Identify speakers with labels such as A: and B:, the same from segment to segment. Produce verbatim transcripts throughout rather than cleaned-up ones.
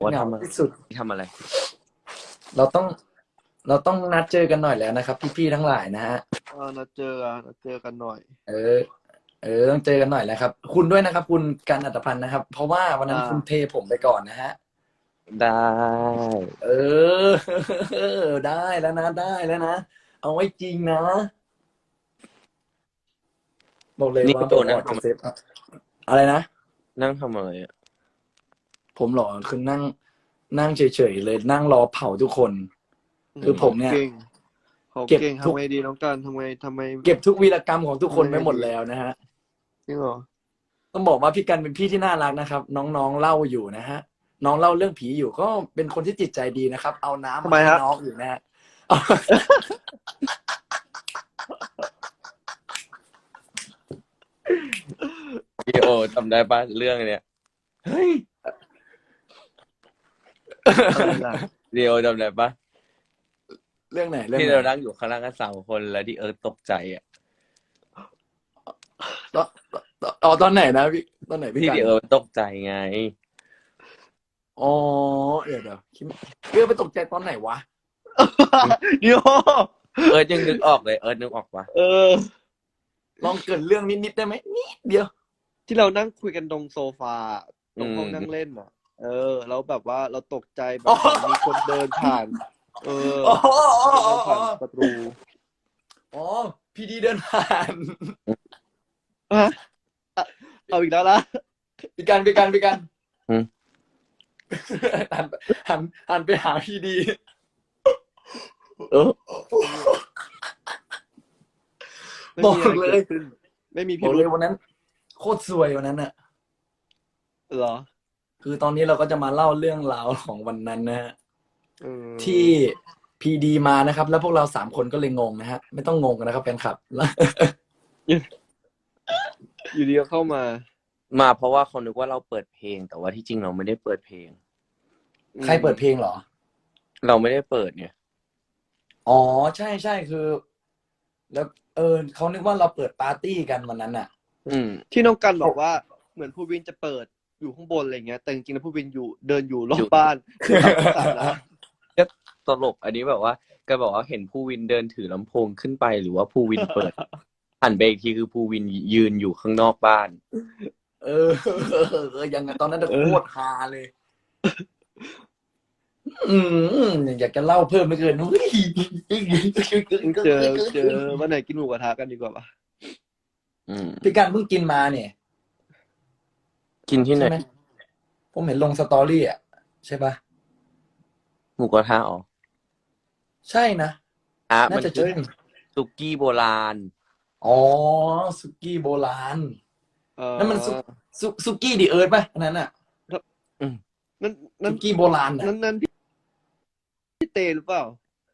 A: ว่า
B: เหงา
A: ทำอะไร
B: ที่สุด
A: ทำอะไร
B: เราต้องเราต้องนัดเจอกันหน่อยแล้วนะครับพี่ๆทั้งหลายนะฮะ
C: เออนัดเจอกันนัดเจอกันหน่อย
B: เออเออต้องเจอกันหน่อยแล้วครับคุณด้วยนะครับคุณกันอัตพันธ์นะครับเพราะว่าวันนั้น
C: อ่า
B: คุณเทผมไปก่อนนะฮะ
A: ได้
B: เออได้แล้วนะได้แล้วนะเอาไว้จริงนะบอกเลย
A: นี่
B: ว่า
A: โด
B: ผมอ
A: นั่งทำอะไร
B: อกจากเซฟอะไรนะ
A: นั่งทำอะไรอ่ะ
B: ผมเหรอคือนั่งนั่งเฉยๆเลยนั่งรอเผาทุกคน คือผมเนี่ย
C: เก่งเขา
B: เก็บ
C: เก่ง
B: ทุก
C: ทำไงดีน้องกันทำไงทำไม
B: เก็บทุกวีรกรรมของทุกคนไว้หมดแล้วนะฮะ
C: จริงเหรอ
B: ต้องบอกว่าพี่กันเป็นพี่ที่น่ารักนะครับ น้องๆเล่าอยู่นะฮะน้องเล่าเรื่องผีอยู่ก็เป็นคนที่จิตใจดีนะครับ เอาน้ำ
C: ทำไม
B: ให้
C: ฮะ
B: น้องอยู่นะฮะ
A: พี่โอจำได้ปะเรื่องเนี้ย
B: เฮ้ย
C: อะไรล่ะ
A: พี่โอจำได้ปะ
B: เรื่องไหนเรื่อง
A: ที่
B: ไหน
A: เรานั่งอยู่ข้างล่างกันสามคนแล้วที่เอิร์ธตกใจอ่ะ
B: ตอนตอนตอนไหนนะพี่ตอนไหนพี่
A: ที่
B: กัน
A: ที่เอิร์ธตกใจไง
B: อ๋อเดี๋ยวเดี๋ยวคิดเรื่องไปตกใจตอนไหนวะ
C: เดี๋ยว
A: เอิร์ธยังนึกออกเลยเอิร์ธนึกออกปะ
C: เออ
B: ลองเกรินเรื่องนิดๆได้ไหมนิดเดียว
C: ที่เรานั่งคุยกันตรงโซฟาตรงห้อง
A: อืม
C: นั่งเล่นอ่ะ เออแล้วแบบว่าเราตกใจแบ
B: อ๋
C: บ
B: อ
C: มีคนเดินผ่าน เออ
B: อ๋ออ๋อ
C: เดิ
B: อ๋อน
C: ผ่านประตู
B: อ๋อพีดีเดินผ่าน
C: ฮะอ่ะเอาอีกแล้วละ
B: พี่กันพี่กันพี่กัน
A: อืม
B: หันหันหันไปหาพีดี
A: เออ
C: ไม่
B: บอก
C: มีอะไร
B: เลย
C: เกิดขึ้นไม่มี
B: บ
C: พิ
B: อก
C: รุ
B: เล
C: ธ
B: ยวันนั้น โคตรซวยวันนั้นน่ะ
C: เหรอ
B: คือตอนนี้เราก็จะมาเล่าเรื่องราวของวันนั้นนะฮะ
C: เออ
B: ที่พีดีมานะครับ แล้วพวกเราสามคนก็เลยงงนะฮะ ไม่ต้องงงกันนะครับแฟนคลับ
C: อยู่ดีก็เข้ามา
A: มาเพราะว่าเขานึกว่าเราเปิดเพลง แต่ว่าที่จริงเราไม่ได้เปิดเพลง
B: ใครเปิดเพลงเหรอ
A: เราไม่ได้เปิดเนี่ย
B: อ๋อใช่ใช่คือ แล้วเออเขานึกว่าเราเปิดปาร์ตี้กันวันนั้นน่ะ
A: อืม
C: ที่น้องกันบอกว่าเหมือนผู้วินจะเปิดอยู่ข้างบนอะไรเงี้ย แต่จริงๆแล้วผู้วินอยู่เดินอยู่รอ
A: อยู่
C: บบ้านคือทำสัตว์นะ
A: ตลกอันนี้แบบว่าแก็บอกว่าเห็นผู้วินเดินถือลำโพงขึ้นไปหรือว่าผู้วินเปิด หันไปอีกทีคือผู้วินยืนอยู่ข้างนอกบ้าน
B: เออเออยังไงตอนนั้นน่ะ
C: เออ
B: โคตรฮาเลย อืมอยากจะเล่าเพิ่มไม่เกินอุ้ย
C: เจอเจอวันไหนกินหมูกระทะกันดีกว่าปะ
A: อืม
B: พี่กันเพิ่งกินมาเนี่ย
A: กินที่ไหน
B: ใช่ไหมผมเห็นลงสตอรี่อ่ะใช่ปะ
A: หมูกระทะอ๋อ
B: ใช่นะ
A: อ่ะ
B: น่า
A: มัน
B: จะ
A: คื
B: ใช่
A: อสุกี้โบราณ
B: อ๋อสุกี้โบราณ
C: เออ
B: นั่นมันซุซุซุกี้ดีเอิร์ธป่ะอันนั้นอ่ะ
C: นั่นนั่
B: ซุ
C: น
B: กี้โบราณอ่ะ
C: นั่นนั่นพี่พี่เตหรือเปล่า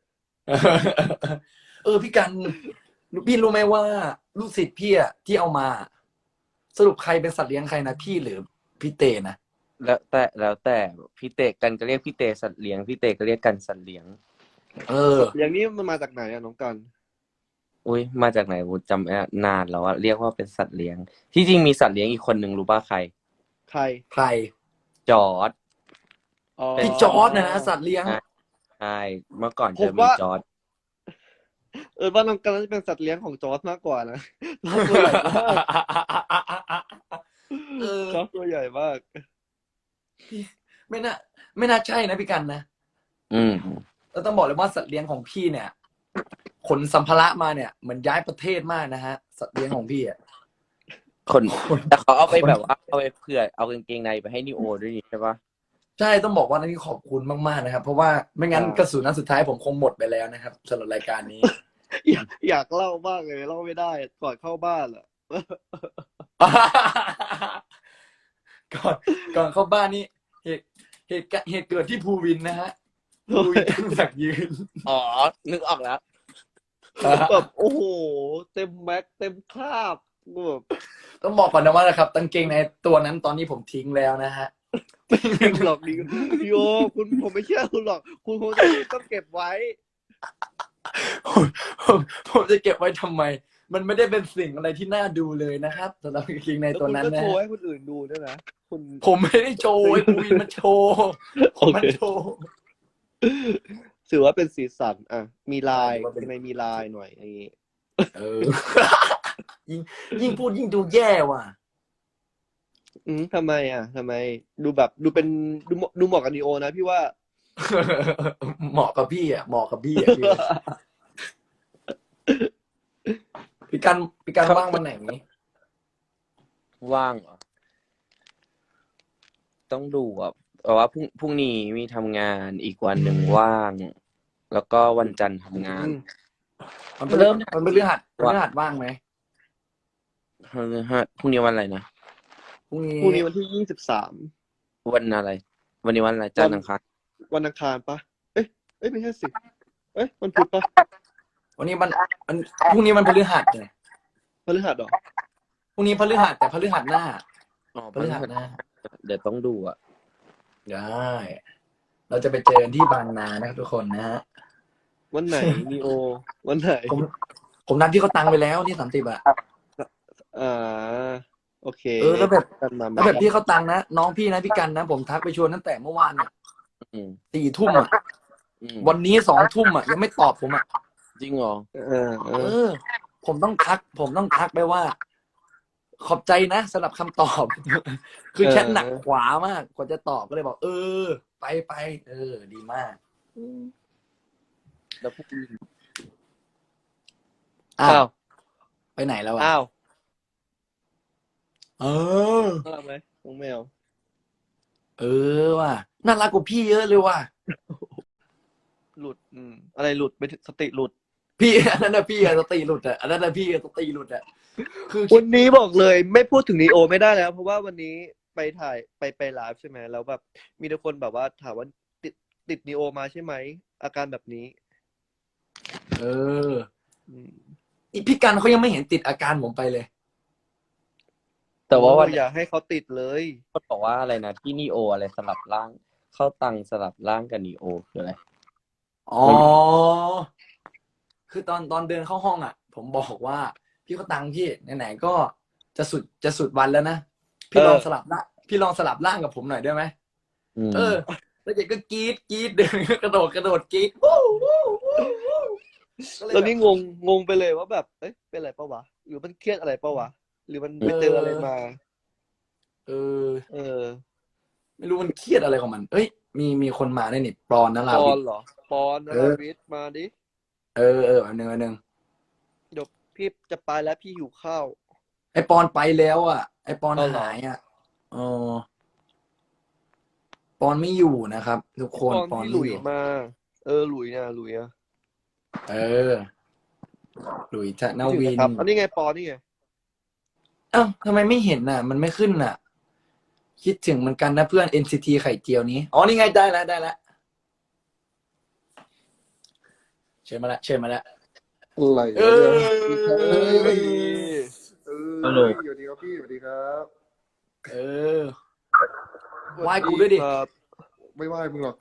B: เออพี่กันพี่รู้ไหมว่า ลูกศิษย์พี่อ่ะที่เอามา สรุปใครเป็นสัตว์เลี้ยงใครนะพี่หรือพี่เตนะ
A: แล้วแต่แล้วแต่พี่เตกันก็เรียกพี่เตสัตว์เลี้ยงพี่เตก็เรียกกันสัตว์เลี้ยง
B: เออ
C: อย่างนี้มันมาจากไหนอะน้องกัน
A: อุ้ยมาจากไหนกูจำไม่ได้นานแล้วอะเรียกว่าเป็นสัตว์เลี้ยง ที่จริงมีสัตว์เลี้ยงอีกคนนึงรู้ป่ะใคร
C: ใคร
B: ใคร
A: จอร์ด
C: อ๋อ
B: พี่จอร์ดนะนะสัตว์เลี้ยง
A: ใช่เมื่อก่อน
C: ผ
A: จะ
C: ม
A: มี
C: ว่า
A: จอร์ด
C: เออว่าน้องกันน่าจะเป็นสัตว์เลี้ยงของจอร์ดมากกว่านะ จอร์ดตัวใหญ่มาก
B: เออ
C: จอร์ดตัวใหญ่มาก
B: ไม่น่าไม่น่าใช่นะพี่กันนะ
A: อืม
B: แล้วต้องบอกเลยว่าสัตว์เลี้ยงของพี่เนี่ยขนสัมภาระมาเนี่ยเหมือนย้ายประเทศมากนะฮะ สัตว์เลี้ยงของพี่อ่ะ
A: คนแต่เขาเอาไปแบบว่าเอาไปเผื่อเอากางเกงในไปให้นิโอด้วยนี่ใช่ปะ
B: ใช่ต้องบอกว่านี่ขอบคุณมากๆนะครับ เพราะว่าไม่งั้น
C: อ่า
B: กระสุนนัดสุดท้ายผมคงหมดไปแล้วนะครับสำหรับรายการนี้
C: อยากอยากเล่ามากเลยเล่าไม่ได้ก่อนเข้าบ้านอะ
B: ก่อนก่อนเข้าบ้านนี่เหตุเหตุการณ์เหตุเกิดที่ภูวินนะฮะภูวินตั้งจากยืน
A: อ๋อนึกออกแล้ว
C: แบบโอ้โห เต็มแม็กเต็มคราบแบบ
B: ต้องบอกก่อนนะว่านะครับกางเกงในตัวนั้นตอนนี้ผมทิ้งแล้วนะฮะ
C: ไม่เก็บหรอกดีพี่โอคุณผมไม่เชื่อคุณหรอก คุณคงจะต้องเก็บไว้
B: ผมผมผมจะเก็บไว้ทำไมมันไม่ได้เป็นสิ่งอะไรที่น่าดูเลยนะครับสำหรับกางเกงใน
C: แล้ว
B: ตัว
C: คุณ
B: นั้น
C: ก็
B: นะ
C: โชว์
B: ฮะ
C: ให้คนอื่นดูด้วยนะคุณ
B: ผมไม่ได้โชว์ไอ้ภูวินมันโชว์ผม
C: โอเค
B: มันโชว์
C: ถือว่าเป็นสีสันอ่ะมีลาย
B: ถือว่าเป็น
C: ในมีลายหน่อยอย่างงี้
B: เออ ยิ่งยิ่งพูดยิ่งดูแย่ว่ะ
C: อืมทำไมอ่ะทำไมดูแบบดูเป็นดูเหมาะดูเหมาะกับนีโอนะพี่ว่า
B: เหมาะกับพี่อ่ะเหมาะกับพี่อ่ะพี่พี่กันพี่กันว่างวันไหนนี้
A: ว่างเหรอต้องดูอ่ะเพราะว่าพรุ่งพรุ่งนี้มีทำงานอีกวันหนึ่งว่าง แล้วก็วันจันทร์ทำงาน
C: อืม
B: มันเป็นเริ่มมันเป็นเรื่องหัดเป็นเรื่องหัดว่างไหม
A: พฤหัสพรุ่งนี้วันอะไรนะ
B: พรุ่งนี้
C: พรุ่งนี้วันที่ยี่สิบสาม
A: วันอะไร วันนี้วันอะไรจันทร์อังคาร
C: วันอังคารปะเอ้ยเอ้ยไม่ใช่สิเอ้ยวันพุธปะ
B: วันนี้มันมันพรุ่งนี้มันพฤหัสไง
C: พฤหัสเหรอ
B: พรุ่งนี้พฤหัสแต่พฤหัสหน้า
A: อ๋อ
B: พฤหัสหน้า
A: เดี๋ยวต้องดูอ่ะ
B: ได้ เราจะไปเจอกันที่บางนานะครับทุกคนนะฮะ
C: วันไหนนีโอวันไหน
B: ผมผมนัดพี่เขาตังไปแล้วนี่สามสิบอะ
C: อ่าโอเค
B: เออแล้วแบบ
C: กันมา
B: แล้วแบบพี่เขาตังนะน้องพี่นะพี่กันนะผมทักไปชวนตั้งแต่เมื่อวานอะ
A: อืม
B: สี่ทุ่มอะ
A: อืม
B: วันนี้สองทุ่มอะยังไม่ตอบผมอะ
A: จริงเหรอ
C: เออเอ
B: เอ
C: อ
B: อ ผมต้องทัก ผมต้องทักไปว่า ขอบใจนะสำหรับคำตอบ คือแชทหนักขวามากกว่าจะตอบก็เลยบอก เออ ไปไปเออ ดีมาก
A: แล้วพรุ่งนี้
B: อ้า
C: อ้าว ว
B: ไปไหนแล้วอะ
C: อ้าว
B: เออ
C: น่ารักไหมน้องแมว
B: เออว่ะน่ารักกว่าพี่เยอะเลยว่ะ
C: หลุด อืม อะไรหลุดไปสติหลุด
B: พี่ อันนั้นนะพี่อะสติหลุดอะอันนั้นนะพี่อะสติหลุดอะคือคิ
C: วั
B: ด
C: นนี้บอกเลยไม่พูดถึงนีโอไม่ได้แล้ว เพราะว่าวันนี้ไปถ่ายไปไปไลฟ์ใช่ไหมแล้วแบบมีแต่คนแบบว่าถามว่าติดติดนีโอมาใช่ไหมอาการแบบนี้
B: เออ
C: อืม
B: อีพี่กันเขายังไม่เห็นติดอาการผมไปเลย
A: แต่ว่าวัน
C: โอ้อย่าให้เขาติดเลย
A: คนบอกว่าอะไรนะที่นีโออะไรสลับร่าง เข้าตังสลับร่างกับนีโอคืออะไร
B: อ๋อ คือตอนตอนเดินเข้าห้องอ่ะ ผมบอกว่า พี่เขาตังค์พี่ไหนๆก็จะสุดจะสุดวันแล้วนะ พี่
C: เออ
B: ลองสลับร่างพี่ลองสลับร่างกับผมหน่อยได้ไหม
A: อืม
B: เออ แล้วเด็กก็กรี๊ดกรี๊ดเดินกระโดดกระโดดกรี๊ดวู้วู้วู้วู้ก็เลย
C: แล้ว
B: แบบ
C: นี่งงงงไปเลยว่าแบบ เอ้ยเป็นอะไรปะวะ หรือมันเครียดอะไรปะวะ หรือมันไปเจออะไรมา
B: เออ
C: เออ
B: ไม่รู้มันเครียดอะไรของมัน เอ้ย มีมีคนมาได้นี่ปอนนะ
C: ป
B: ลา
C: อ
B: วิ
C: น
B: ท
C: เหรอ ปอนน
B: เอ
C: รา
B: อ
C: วิทย์มาดิ
B: เออเอออันหนึ่งอันหนึ่ง
C: เดี๋ยวพี่จะไปแล้วพี่หิวข้าว
B: ไอปอนไปแล้วอ่ะ ไอปอน
C: เอาเหรอ
B: หายอ่ะเออปอนไม่อยู่นะครับ ทุกคน
C: ปอน
B: ปอน
C: ที่หลุ
B: ไม่
C: ย
B: อยู่
C: มา เออหลุยนะหลุยอะ
B: เออหลุยธน
C: คิดถึง
B: วิน
C: นะครับอันนี้ไงปอนนี่ไง
B: เอ้าทำไมไม่เห็นน่ะ มันไม่ขึ้นน่ะ คิดถึงเหมือนกันนะเพื่อน เอ็น ซี ที ไข่เจียวนี้ อ๋อ นี่ไงได้แล้วได้แล้วเชิญมาแล้วเชิญมาแล้ว
D: อะไร
B: เอ
D: วะ
B: อ
D: เนี่ยเฮ้ยเออ
A: ฮัลโหล
D: สวัสดีครับพี่สวัสดีครับ
B: เออ ไหว้กูด้วยดิ
C: ครับ
D: ไม่ไหวมึงหรอก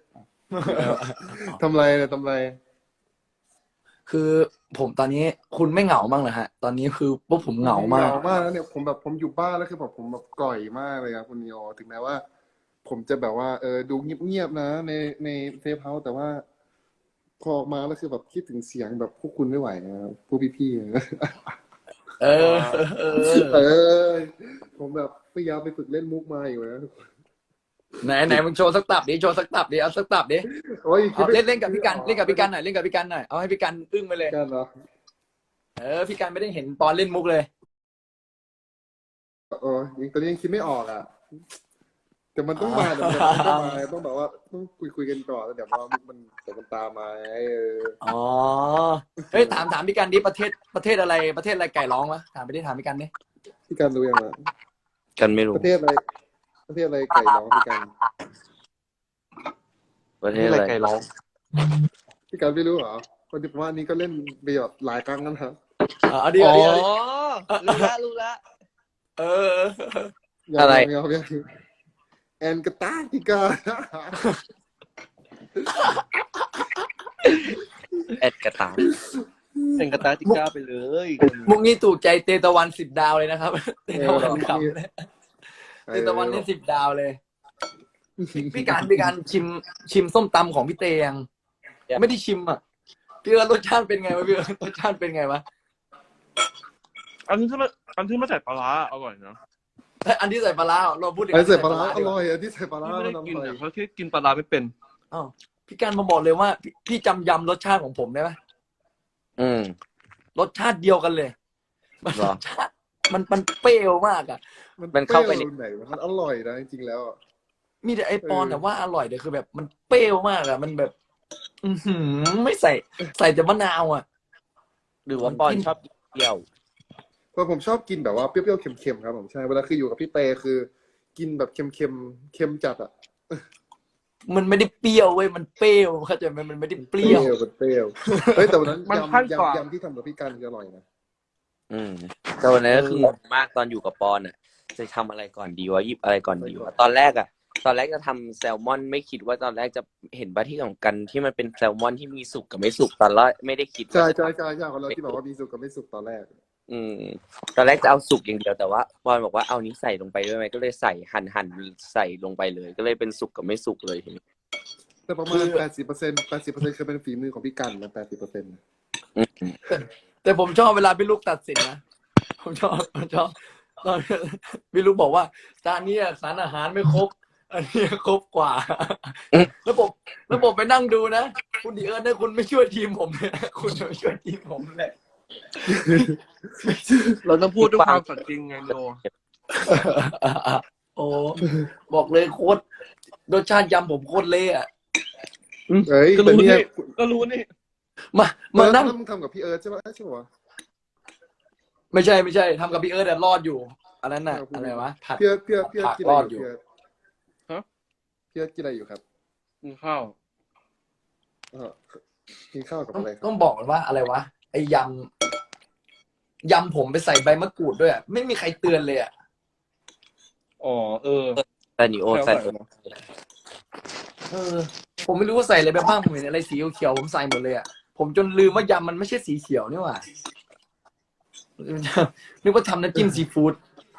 D: ทำไรเนี่ยทำไร
B: คือผมตอนนี้คุณไม่เหงาบ้างเหรอฮะ ตอนนี้คือพวกผมเหงามาก
D: เหงามากแล้วเนี่ยผมแบบผมอยู่บ้านแล้วคือแบบผมแบบก่อยมากเลยครับคุณนิโอถึงแม้ว่า ผมจะแบบว่าเออดูเงียบๆนะ ในในเซฟเฮาส์แต่ว่า พอออกมาแล้วคือแบบคิดถึงเสียงแบบพวกคุณไม่ไหวนะครับพวกพี่ๆนะ
B: เออ เออ
D: เออผมแบบพยายามไปฝึกเล่นมุกมาอยู่นะ
B: ไหนไหนมึงโชว์สักตับดิโชว์สักตับดิเอาสักตับดิ
D: โอ้ย
B: เอาเล่นเล่นกับพี่กันเล่นกับพี่กันหน่อยเล่นกับพี่กันหน่อยเอาให้พี่กันอึ้งไปเลย
D: กันเหรอ
B: เออพี่กันไม่ได้เห็นปอนเล่นมุกเลย
D: เออยังตอนนี้ยังคิดไม่ออกอ่ะ แต่มันต้องมาเดี๋ยวมันต้องมาต้องแบบว่าต้องคุยคุยกันก่อนแล้วเดี๋ยวพอมุกมันเดี๋ยวมันตามมาไงเออ
B: อ๋อเฮ้ยถามถามพี่กันดิประเทศประเทศอะไรประเทศอะไรไก่ร้องวะถามไปดิถามพี่กันดิ
D: พี่การรู้ยังอ่ะ
A: กันไม่รู้
D: ประเทศอะไร ประเทศอะไรไก่ร้องพี่การ
A: ประเทศ
C: นี่
A: อะ
C: อะไร
A: ไร
C: ไก่ร้อง
D: พี่การไม่รู้เหรอคนที่ผมว่าอันนี้ก็เล่นไปแบบหลายครั้งแล้วนะครับ
B: อ๋อเอาดิ
C: อ๋
B: เอา
C: อ
B: ดิเอาดิ
C: รู้ละรู้ละ
B: เออ
D: ยัง
A: อะไร
D: ยังยังยังแอนกาตาพี่การ
A: แอดกระตาย
C: เป็นกาตาติก้าไปเลย
B: มุกนี้ถูกใจเตตะวันสิบดาวเลยนะครับ เต
D: เอ
B: ตะ
D: อ
B: วัน
D: แบบ
B: ขับ
D: นี้
B: เตตะวันนี่สิบดาวเลย พี่การพี่การชิมชิมส้มตำของพี่เตยังไม่ได้ชิมอ่ะพี่เอิร์ธรสชาติเป็นไงวะพี่เอิร์ธรสชาติเป็นไงวะ
E: อันที่ไม่อันที่ไม่ใส่ปลาร้าอร่อยนะ
B: เอ้ยอันที่ใส่ปลาร้าเราพูดถึง
D: ไอ้ใส่ปลาร้า
B: ดี
D: อก
B: ว่
D: ร่อยอันที่ใส่ปลาร้า
E: พี่ไม่
D: มัน
E: ได้
D: อ
E: กิน
D: ร่อย
E: อ่ะเพราะที่กินปลาร้าไม่เป็น
B: อ้าวพี่การมาบอกเลยว่าพี่พี่จำยำรสชาติของผมได้ไหม
A: อืม
B: รสชาติเดียวกันเลยมัน
A: เหร
B: ร
A: อ
B: สชาติมันมันเปรี้ยวมากอ่ะ
A: มันเข้าไป
D: ใน
A: ใน
D: ไหนมันอร่อยนะจริงๆแล้วอะ
B: มีแต่ไอปอน
D: เออ
B: แต่ว่าอร่อยเดี๋ยวคือแบบมันเปรี้ยวมากอ่ะมันแบบ อือหือไม่ใส่ใส่แต่มะนาวอ่ะ
A: หรือว่าปอนชอบกินเปรี้ยว
D: เพราะผมชอบกินแบบว่าเปรี้ยวๆเค็มๆครับผมใช่เวลาคืออยู่กับพี่เตคือ กินแบบเค็มๆเค็มจัดอ่ะ
B: มันไม่ได้เปรี้ยวเว้ยมันเปรี้ยวเข้าใจไหมมันไม่ได้เปรี้ยว
D: มันเปรี้ยวเฮ้ยแต่วันนั้น
E: มัน
D: ยำ
E: ขั้นกว่า
D: ยำยำที่ทำกับพี่กันคืออร่อยนะ
A: อืมแต่วันนั้นก็คืองงมากตอนอยู่กับปอนอ่ะ จะทำอะไรก่อนดีวะหยิบอะไรก่อนดีวะตอนแรกอ่ะ ตอนแรกจะทำแซลมอนไม่คิดว่าตอนแรกจะเห็นปะที่ของกันที่มันเป็นแซลมอนที่มีสุกกับไม่สุกตอนแรกไม่ได้คิดว่า
D: ใช่
A: จะ
D: ใช่ใช่ใช่ของเราที่แบบว่ามีสุกกับไม่สุกตอนแรก
A: อืม ตอนแรกจะเอาสุกอย่างเดียวแต่ว่าปอนบอกว่าเอานี้ใส่ลงไปด้วยไหมก็เลยใส่หั่นหั่นใส่ลงไปเลย ก็เลยเป็นสุกกับไม่สุกเลยทีนี้
D: แต่ประมา
B: คื
D: ณ
B: อ
D: แปดสิบเปอร์เซ็นต์แปดสิบเปอร์เซ็นต์คือเป็นฝีมือของพี่กันนะแปดสิบเปอร์เซ็นต์
A: อืม
B: แต่ผมชอบเวลาพี่ลูกตัดสินนะผมชอบผมชอบตอนพี่ลูกบอกว่าจานนี้สารอาหารไม่ครบ อันนี้ครบกว่า แล้วผมแล้วผมไปนั่งดูนะคุณดีเอิร์ธเนี่ยคุณไม่ช่วยทีมผมเลยนะคุณไม่ช่วยทีมผมเลย
E: เราต้องพูดด้วยความสัตย์จริงไงโด
B: โอ้บอกเลยโคตรรสชาติยำผมโคตรเละอะ
D: เฮ้ย
E: ก็
D: แต่
E: รู้
D: เนี่ย
E: นี่ก็รู้นี่
B: มามานั่ง
D: มึงทำกับพี่เอิร์ธใช่ไหมใช่ปะวะ
B: ไม่ใช่ไม่ใช่ทำกับพี่เอิร์ธแต่รอดอยู่ อันนั้นน่ะ
D: เออพูด
B: อะไรวะผัด
D: พี่เอิร์ธพี่เอิร์ธพี่เอิร์ธกินอะไร
B: รอด
D: อ
B: อยู่
D: ยู่พี่เอิร์ธพี่เอิร์ธกินอะไรอยู่ครับ
E: กินข้าว
D: เออกินข้าวกับ
B: ต้อง
D: อะไรครับ
B: ต้องบอกว่าอะไรวะไอ้ยำยำผมไปใส่ใบมะกรูดด้วยอะไม่มีใครเตือนเลยอ่ะ
E: อ๋อเออ
A: แต่นิโอใส่
E: ใส่มา
B: เออ ผมไม่รู้ว่าใส่อะไรไปบ้างผมเห็นอะไรสีเขียวๆผมใส่หมดเลยอ่ะผมจนลืมว่ายำมันไม่ใช่สีเขียวนี่หว่านึกว่าทำน้ำจิ้มซีฟู้ด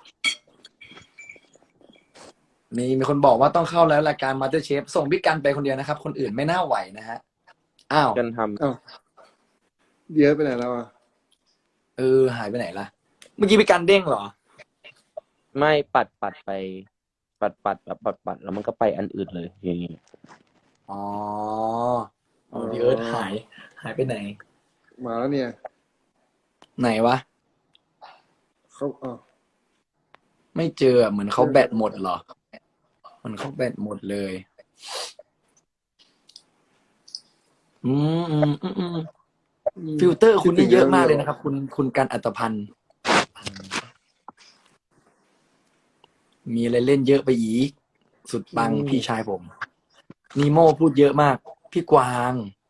B: มีมีคนบอกว่าต้องเข้าแล้วรายการมาสเตอร์เชฟส่งพี่กันไปคนเดียวนะครับ คนอื่นไม่น่าไหวนะฮะอ้าว
A: กันท
D: อ้าวเดี๋ยวไปไหนแล้วอ่ะ
B: เออหายไปไหนล่ะ เมื่อกี้พี่กันเด้งเหรอ
A: ำไม่ปัดปัดไป ปัดปัดแบบปัดปัดแล้วมันก็ไปอันอื่นเลยอย่างนี้
B: อ๋ออ๋อพี่เอิร์ธหาย หายไปไหน
D: มาแล้วเนี่ย
B: ไหนวะ
D: เขาอ๋อ
B: ไม่เจอเหมือนเขาแบตหมดเหรอเหมือนเขาแบตหมดเลย อืมอืมอืมอืมฟิลเตอร์คุณนี่เยอะมากเลยนะครับ คุณคุณกันอัตพันธ์มีอะไรเล่นเยอะไปอีก สุดปังพี่ชายผม นีโม่พูดเยอะมาก พี่กวาง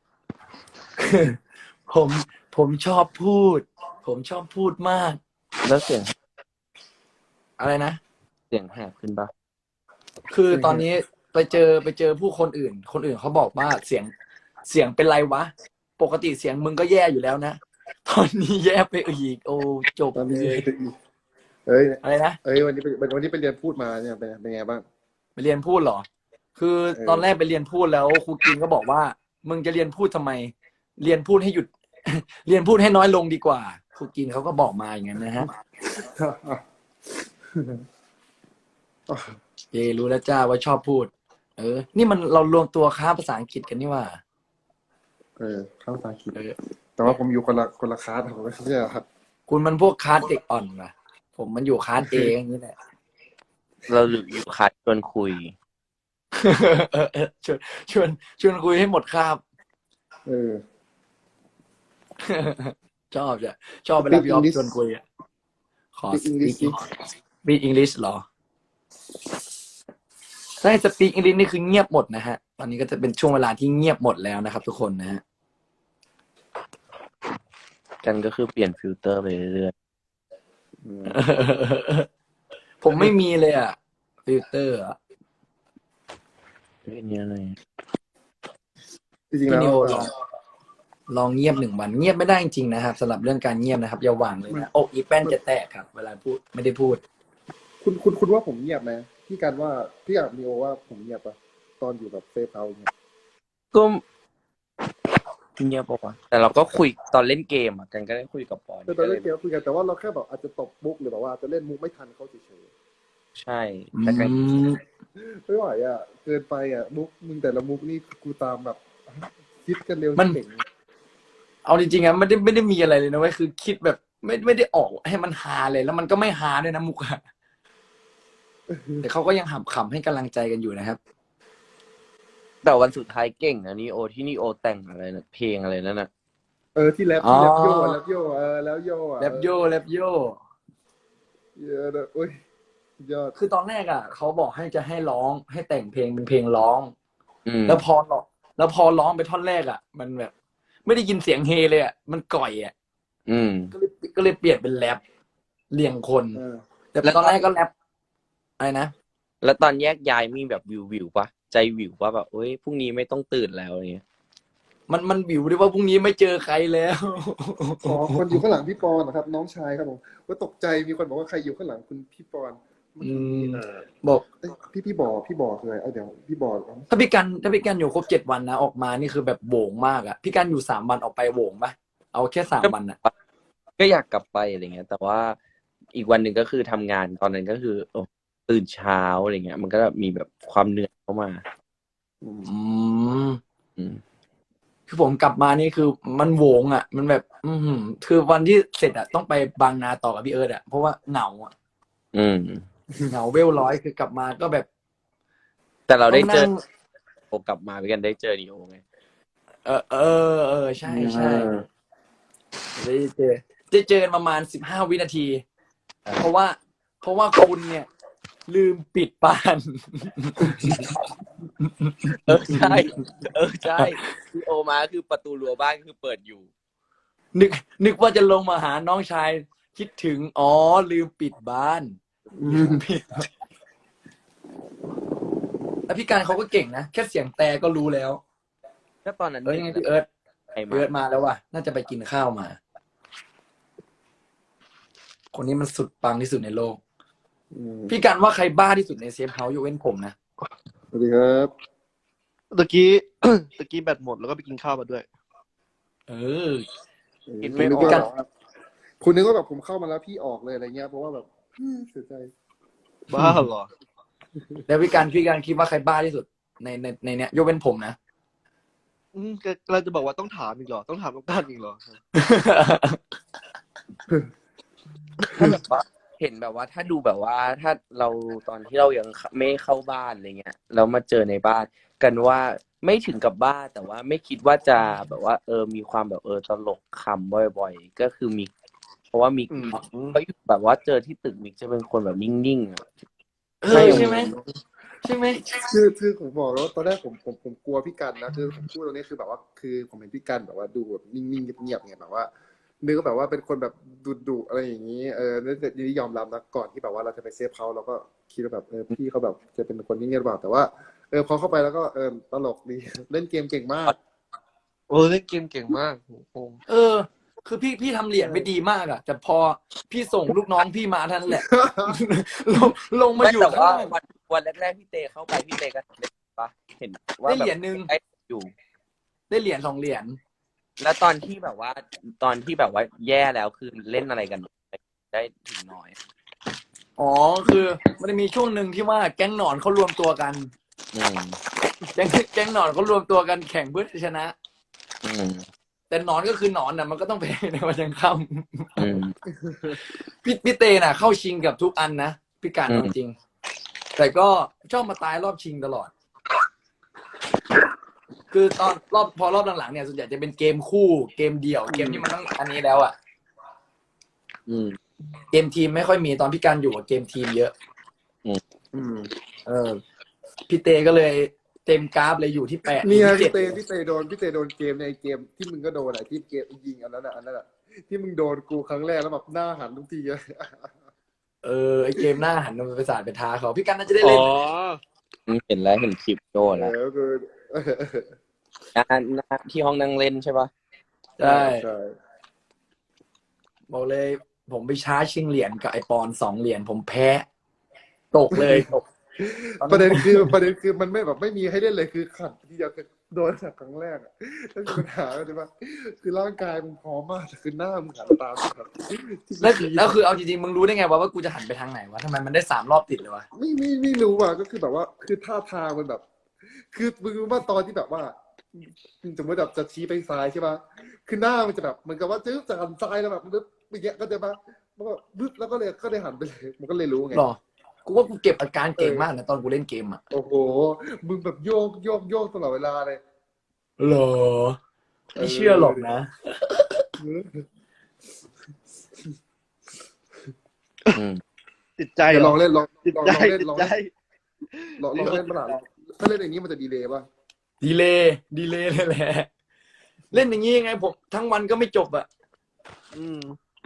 B: ผมผมชอบพูด ผมชอบพูดมาก
A: แล้วเสียง
B: อะไรนะ
A: เสียงแหบขึ้นปะ
B: คือตอนนี้ไปเจอไปเจอผู้คนอื่น คนอื่นเขาบอกว่าเสียงเสียงเป็นไรวะ ปกติเสียงมึงก็แย่อยู่แล้วนะ ตอนนี้แย่ไปอีก โอ้จบ
D: ตอน
B: เล
D: นี้
B: ย
D: เฮ้ย
B: อะไรนะ
D: เฮ้ยวันนี้ไปวันนี้ไปเรียนพูดมาเนี่ยเป็นเป็นไงบ้าง
B: ไปเรียนพูดเหรอ คือ
D: เออ
B: ตอนแรกไปเรียนพูดแล้วครูกินก็บอกว่า มึงจะเรียนพูดทำไม เรียนพูดให้หยุด เรียนพูดให้น้อยลงดีกว่าครูกินเขาก็บอกมาอย่างนั้นนะฮะเอรู้แล้วจ้าว่าชอบพูด เออ นี่มันเรารวมตัวค้าภาษาอังกฤษกันนี่ว่า
D: เออเข้าภาษาอังกฤษ
B: เออ
D: แต่ว่าผมอยู่คนละคนละคลาสผมไม่ใช่เหรอครับ
B: คุณมันพวกคลาสเด็กอ่อนว่ะผมมันอยู่คลาสเออย่างนี้แหละ
A: เราอยู่คัดชวนคุย
B: เออเออชวนชวนชวนคุยให้หมดคาบ
D: เออ
B: ชอบจ้ะชอบเวลาพี่ออฟ
D: Speak English
B: ชวนคุยอ่ะขอ
D: Speak English
B: speak speak English เหรอถ้าให้ speak English นี่คือเงียบหมดนะฮะ ตอนนี้ก็จะเป็นช่วงเวลาที่เงียบหมดแล้วนะครับ ทุกคนนะฮะ
A: กันก็คือเปลี่ยนฟิลเตอร์ไปเรื่อย
D: อืม
B: ผมไม่มีเลยอ่ะฟิลเตอร์อ่ะ
A: ๆเรื่องนี้อะไร
D: จริงๆแล้ว
B: พี่นิโอลอง
D: จ
B: ลองเงียบหนึ่งวันเงียบไม่ได้จริงๆนะครับสำหรับเรื่องการเงียบนะครับอย่าหวังเลยนะอกอีแป้นจะแตกครับ เวลาพูดไม่ได้พูด
D: คุณคุณคุณว่าผมเงียบไหมพี่กันว่าพี่กับนีโอว่าผมเงียบปะตอนอยู่แบบเซฟเฮาส์เนี่ย
A: ก็เงียบปะวะแต่เราก็คุยตอนเล่นเกมอ่ะกันก็ได้คุยกับปอน
D: แต่ตอนเล่นเกมคุยกันแต่ว่าเราแค่แบบอาจจะตบมุกหรือแบบว่าจะเล่นมุกไม่ทันเขาเฉย
A: ใช่แต่กัน
B: อืม
D: ๆไม่ไหวอ่ะเกินไปอ่ะมุกมึงแต่ละมุกนี่กูตามแบบคิดกันเร็ว
B: มัน
D: เก่ง
B: เอาจริงๆอะไม่ได้ไม่ได้มีอะไรเลยนะเว้ยคือคิดแบบไม่ไม่ได้ออกให้มันฮาเลยแล้วมันก็ไม่ฮาด้วยนะมุกอะแต่เขาก็ยังหับขำให้กำลังใจกันอยู่นะครับ
A: แต่วันสุดท้ายเก่งนะนีโอที่นีโอแต่งอะไรนะเพลงอะไรนั่นน่ะ
D: เออที่แรปที่แรปโย่อะแรปโย่เออแล้วโย่อะ
B: แรปโยแรปโย
D: เยอะเลยโอ้ยยอด
B: คือตอนแรกอ่ะเขาบอกให้จะให้ร้องให้แต่งเพลงเป็นเพลงร้อง
A: อืม
B: แล้วพอร้องแล้วพอร้องไปท่อนแรกอ่ะ มันแบบ ไม่ได้ยินเสียงเฮเลยอ่ะมันก่อยอ่ะ
A: อืม
B: ก็เลยก็เลยเปลี่ยนเป็นแรปเรียงคน
D: เออ
B: แต่
A: แล้ว
B: ตอนแรกก็แรปอะไรนะ
A: แล้วตอนแยกย้ายมีแบบวิววิวปะใจวิวปะแบบเอ้ยพรุ่งนี้ไม่ต้องตื่นแล้วอะไรเงี้ย
B: มันมันวิวด้วยว่าพรุ่งนี้ไม่เจอใครแล้ว
D: อ๋อคนอยู่ข้างหลังพี่ปอนนะครับ น้องชายครับผมว่าตกใจมีคนบอกว่าใครอยู่ข้างหลังคุณพี่ปอนมัน
B: อืม
D: เออ
B: บอก
D: เอ้ยพี่พี่บอพี่บอคืออะไรเอ้ยเดี๋ยวพี่บอ
B: ถ้าพี่กันถ้าพี่กันอยู่ครบเจ็ดวันนะออกมานี่คือแบบโหวงมากอ่ะพี่กันอยู่สามวันออกไปโหวงปะเอาแค่สามวันอ่ะ
A: ก็อยากกลับไปอะไรเงี้ย แต่ว่าอีกวันหนึ่งก็คือทำงานตอนนั้นก็คือโอ้ตื่นเช้าอะไรเงี้ย มันก็มีแบบความเหนื่อยเข้ามา
D: อืม
B: อืม
A: อืม
B: คือผมกลับมานี่คือมันโหวงอ่ะ มันแบบ อือหือคือวันที่เสร็จอ่ะต้องไปบางนาต่อกับพี่เอิร์ธอ่ะเพราะว่าเหงาอ่ะ
A: อืม
B: เหงาเวลร้อยคือกลับมาก็แบบ
A: แต่เราได้เจอ
B: ต้องนั่ง
A: โอกลับมาด้วยกันได้เจอนีโอไง
B: เออเออเออใช่ใช่ได้เจอได้เจอกันประมาณสิบห้าวินาที เพราะว่า เพราะว่าคุณเนี่ย ลืมปิดปาน
A: เออใช่ เออใช่นีโอมาคือประตูรั้วบ้านคือเปิดอยู่
B: นึก นึกว่าจะลงมาหาน้องชาย คิดถึง อ๋อ ลืมปิดบ้าน ลืมปิด แล้วพี่การเขาก็เก่งนะ แค่เสียงแต่ก็รู้แล้ว
A: ก็ตอนนั้น
B: เอ้ยยังไงพี่เอิร์ธ
A: ใครมา
B: เอิร์ธมาแล้วว่ะ น่าจะไปกินข้าวมา คนนี้มันสุดปังที่สุดในโลก
D: อืม
B: พี่การว่าใครบ้าที่สุดในเซฟเฮาส์ยกเว้นผมนะ
D: สวัสดีครับ
C: ตะกี้ ตะกี้แบตหมดแล้วก็ไปกินข้าวมาด้วย
B: เออ
A: คิด
D: คุ
A: ไม่
D: ณนึก
A: ออก
D: ว่าแบบว่าคุณนึกว่าแบบผมเข้ามาแล้วพี่ออกเลยอะไรเงี้ยเพราะว่าแบบอืมเสียใจ
C: บ้าเหรอ
B: แล้วพี่การพี่การคิดว่าใครบ้าที่สุด ในในในเนี้ยยกเว้นผมนะ
C: อืมก็เราจะบอกว่าต้องถามอีกเหรอ ต้องถามต้องการอีกเหรอ
A: ถ้าแบบว่าเห็นแบบว่าถ้าดูแบบว่าถ้าเราตอนที่เรายังไม่เข้าบ้านอะไรเงี้ยแล้วมาเจอในบ้านกันว่าไม่ถึงกับบ้าแต่ว่าไม่คิดว่าจะแบบว่า เออมีความแบบเออตลกคำบ่อยๆก็คือมิกเพราะว่ามิก
C: อืม
A: เขาอยู่แบบว่าเจอที่ตึกมิกจะเป็นคนแบบนิ่งๆอะ
B: เออใช่ไหมใช่ไหม
D: คือคือผมบอกแล้วว่าตอนแรกผมผมผมกลัวพี่กันนะคือผมพูดตรงนี้คือแบบว่าคือผมเห็นพี่กันแบบว่าดูแบบนิ่งๆเงียบๆไงแบบว่านึกว่าแบบว่าเป็นคนแบบดุดุๆอะไรอย่างนี้เออแล้วแต่นี่ยอมรับนะก่อนที่แบบว่าเราจะไปเซฟเขาเราก็คิดว่าแบบเออพี่เขาแบบจะเป็นคนนิ่งๆหรือเปล่าแต่ว่าเออพอเข้าไปแล้วก็เออตลกดี เล่นเกมเก่งมาก
C: โอ้เล่นเกมเก่งมากโอ้โห
B: เออ คือพี่พี่ทำเหรียญไม่ดีมากอะแต่พอพี่ส่งลูกน้องพี่มาเท่านั้นแหละ ลงลงมา
A: ไม่
B: อยู่
A: แต่
B: ข้าง
A: ว่า
B: ล่าง
A: วันวันแรกๆพี่เตเข้าไปพี่เตก็เล่นปะเห็นว่า
B: ได้
A: แบ
B: เหรีย
A: บ
B: ญหนึ่ง
A: ได้อยู่
B: ได้เหรียญสองเหรียญ
A: แล้วตอนที่แบบว่า ตอนที่แบบว่าแย่แล้วคือเล่นอะไรกันได้ถึงน้อย
B: อ๋อคือมันจะมีช่วงหนึ่งที่ว่าแก๊งหนอนเขารวมตัวกัน
A: อืม
B: แก๊งแก๊งหนอนเขารวมตัวกันแข่งเพื่อชนะ
A: อืม
B: แต่หนอนก็คือหนอนน่ะมันก็ต้องแพ้ในวันยังค่
A: อืม
B: ำ พี่พี่เตน่ะ เข้าชิงกับทุกอันนะพี่การ
A: อืม
B: เอาจริง แต่ก็ชอบมาตายรอบชิงตลอด คือตอนรอบพอรอบหลังๆเนี่ยส่วนใหญ่จะเป็นเกมคู่เกมเดี่ยวเกมที่มันต้องอันนี้แล้วอ่ะ
A: อืม
B: เกมทีมไม่ค่อยมีตอนพี่การอยู่กับเกมทีมเยอะ
D: อืม
B: เออพี่เตก็เลยเต็มกราฟเลยอยู่ที่แปด
D: เนี่ย
B: ที่
D: พี่เต
B: จ็ด
D: พี่เตโดนพี่เตโดนเกมในเกมที่มึงก็โดนอะที่เกมยิงอันนั้นอะอันนั้นอะที่มึงโดนกูครั้งแรกแล้วแบบหน้าหันทุกทีอะ
B: เออไอเกมหน้าหันมันไปสาดไปท้าเขาพี่กันน่าจะได้
C: อ๋
B: เล่น
C: อ
A: เห็นแล้วเห็นคลิปโดน
D: เอ
A: แล้ว
D: อคือ
A: อ่าที่ห้องนั่งเล่นใช่ปะ
B: ใช่
D: ใช่
B: บอกเลย ผมไปช้าชิงเหรียญกับไอปอนสองเหรียญผมแพ้ ตกเลยตก
D: ประเด็นคือประเด็นคือมันไม่แบบไม่มีให้เล่นเลยคือขัดทีเดียวคือโดนจากครั้งแรกอ่ะแล้วคือปัญหาก็คือว่าคือร่างกายมึงพร้อมมากแต่คือหน้ามึงหันตามแบบ
B: แล้วแล้วคือเอาจริงๆมึงรู้ได้ไงวะว่ากูจะหันไปทางไหนวะทำไมมันได้สามรอบติดเลยวะ
D: ไม่ไม่ไม่รู้อ่ะก็คือแบบว่า คือท่าทางมันแบบ คือมึงรู้ว่าตอนที่แบบว่าสมมติแบบจะชี้ไปซ้ายใช่ป่ะคือหน้ามันจะแบบเหมือนกับว่าจึ๊บจะหันซ้ายแล้วแบบปึ๊บอย่างเงี้ยก็จะมามันก็ปึ๊บแล้วก็เลยก็เลยหันไปเลยมันก็เลยรู้ไง
B: หรอ กูว่ากูเก็บอาการเก่งมากนะตอนกูเล่นเกมอ่ะ
D: โอ้โหมึงแบบโยกโยกโยกตลอดเวลาเลย
B: หรอไม่เชื่อหรอกนะ
A: อืม
C: ติดใจ
D: เดี๋ยว
C: เห
D: ล
C: ร
D: องเล่นลอง
C: ติด
D: ลอง
C: ใจ
D: ลองเล่น
C: ติด
D: ลอง
C: ใจ
D: เล่นลองลองเล่นเมื่อไหร่ถ้าเล่นอย่างนี้มันจะดีเลยป่ะ
B: ดีเลยดีเลยเลยแหละ เล่นอย่างนี้ยังไงผมทั้งวันก็ไม่จบอ่ะ
C: อืม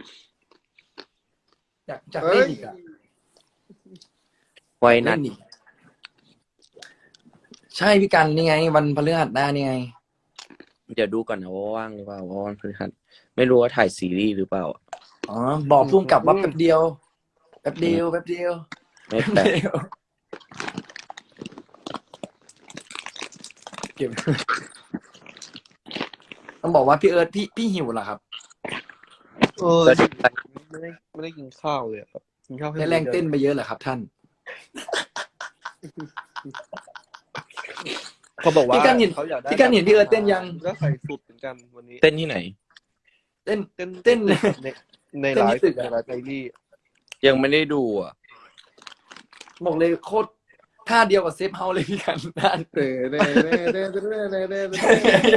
B: อยากอยาก
D: เฮ้
B: เล่
D: ย
B: นอีกอ่ะ
A: ไว้นั
B: เล่
A: ด
B: นอีกใช่พี่กันนี่ไง วันพฤหัสหน้านี่ไง
A: เดี๋ยวดูก่อนนะว่าว่างหรือเปล่าว่าวันพฤหัสไม่รู้ว่าถ่ายซีรีส์หรือเปล่า
B: อ๋อ บอกพุ่งกลับว่าแป๊บเดียว แป๊บเดียว แป๊บเดียว
A: ไม่แปลก
B: เดียวเก็บต้องบอกว่าพี่เอิร์ธพี่พี่หิวเหรอครับ
C: เออ
A: แล้ว
C: ไม่ได้ไม่ได้กินข้าวเลยอะครับกินข้าว
B: ได้แรงเต้นไปเยอะเหรอครับท่าน
C: เขาบอกว่า
B: พี่กันเห็น
C: เขาอยากได้
B: พี่กันเห็นพี่เอิร์ธเต้นยัง
C: ก็ใส่สุดเหมือนกันวันนี้
A: เต้นที่ไหน
B: เต้น
C: เต้น
B: เต้น
C: ในใน
B: เต้น
C: ไล
B: ที่
C: ฟ์
B: ตึกอะ
C: ในไลฟ์ไทลี่
A: ยังไม่ได้ดูอ่ะ
B: บอกเลยโคตรท่าเดียวกับเซฟเฮาเลยพี่กันท่าน
D: เน่เน่เน่เน่เน่เน่เน่เน่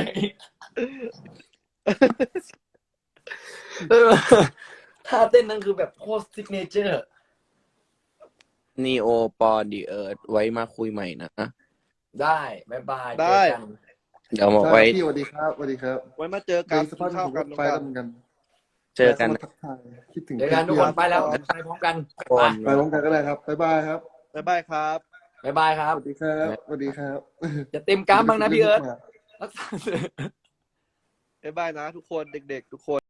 B: เออท่าเต้นนั่นคือแบบโคตรซิกเนเจอร์
A: นีโอปอนดีเอิร์ธไว้มาคุยใหม่นะ
B: ได้บ๊ายบาย
C: ได้
B: เจอกัน
A: เดี๋ยวมา
D: ใช่
A: ไว้
D: พี่สวัสดีครับสวัสดีครับ
C: ไว้มาเจอ
D: เจ
C: กัน
D: อส
C: กิ
D: ภาพ
C: นข้าว
D: ผม
C: กั
D: ก็
C: น
D: ไป
C: กั
D: แล้ว
C: น
D: เหมือนกัน
A: เจอกัน
D: มาทักทายคิดถึง
B: เจอกันทุกคนไปแล้วไปพร้อมกัน
A: คน
D: ไปพร้อมกันก็ได้ครับบ๊ายบายครับ
C: บ๊ายบายครับ
B: บ๊ายบายครั
D: ส
B: บ
D: วัสดีครับสวัสดีครับ
B: จะเต็มกรามบ้างนะพี่เอิร์ธรักษา
C: บ๊ายบายนะทุกคนเด็กๆทุกคน